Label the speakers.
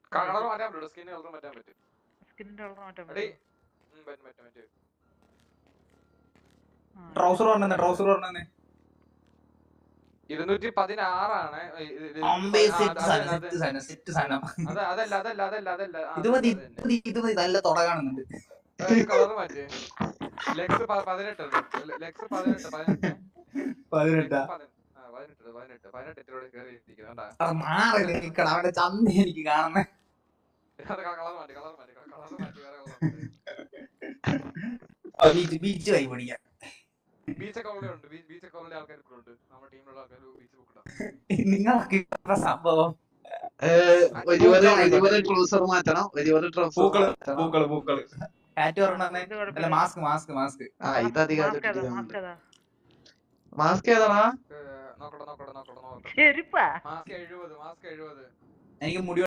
Speaker 1: കളർ മാറ്റാൻ പറ്റും, skin colour മാറ്റാൻ പറ്റും.
Speaker 2: സ്കിന്നിന്റെ കളർ മാറ്റാൻ
Speaker 1: എടീ,
Speaker 2: പറ്റും.
Speaker 3: ട്രൗസർ പറഞ്ഞേ, ട്രൗസർ പറഞ്ഞേ.
Speaker 1: 216 ആണ്.
Speaker 3: ഇത് മതി, നല്ല തുട കാണുന്നുണ്ട്.
Speaker 1: കളർ മാറ്റി ലെക്സ് 18 ലെക്സ് 18
Speaker 3: അവന്റെ ചന്തി എനിക്ക് കാണുന്നേ. ബീച്ച് കൈ പിടിക്കാം. നിങ്ങളൊക്കെ സംഭവം
Speaker 4: ട്രൗസർ മാറ്റണം,
Speaker 3: പൂക്കള് അല്ല മാസ്ക് മാസ്ക് മാസ്ക്
Speaker 4: മാസ്ക് ഏതാടാ?
Speaker 2: ചെരുപ്പാ
Speaker 3: എനിക്ക് മുടി